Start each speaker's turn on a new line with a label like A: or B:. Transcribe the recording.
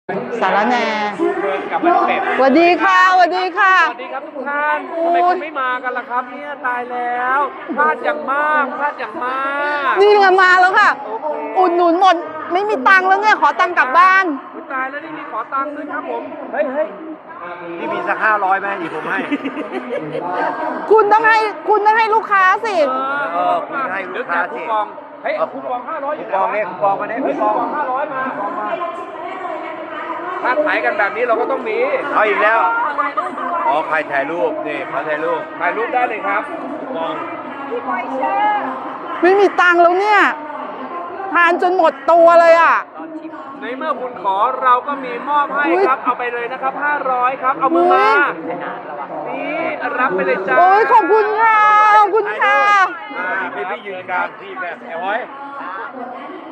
A: สารแหน่
B: กับมันเป็ด
A: สวัสดีค่ะสวัสดีค่ะ
B: สวัสดีครับทุกท่านทำไมคุณไม่มากันล่ะครับเนี่ยตายแล้วพลาดอย่างมากพลาดอย่างมาก
A: นี่ไงมาแล้วค่ะ
B: โอเค
A: อุดหนุนหมดไม่มีตังค์แล้วเนี่ยขอตังค์กลับบ้าน
B: อุ๊ยตายแล้วนี่มีขอตังค์ด้วยครับผมเฮ้ย
C: นี่มีสัก500ไหมอีกผมให้
A: คุณต้องให้ลูกค้าสิ
C: คุณให้ลูกค้าสิ
B: คูปองเฮ้ยคูปอง500อยู่
C: คูปองเนี่ยคูปองมาเนี่ย
B: เฮ้ยคูปอง500มาถ้าขายกันแบบนี้เราก็ต้องมี
C: เอาอีกแล้ว อ๋อใครถ่ายรูปนี่เขาถ่ายรูป
B: ถ่ายรูปได้เลยครับ
C: คูปอง
A: ไม่มีตังค์แล้วเนี่ยทานจนหมดตัวเลยอ่ะ
B: ในเมื่อคุณขอเราก็มีมอบให้
A: อุ๊ย
B: ครับเอาไปเลยนะครับ500ครับเอามือมานี่รับไปเลยจ้า
A: โอ้ยขอบคุณค่ะขอบคุณค่ะ
C: พี่ยืนกลางพี่แบบไอ้ห้อย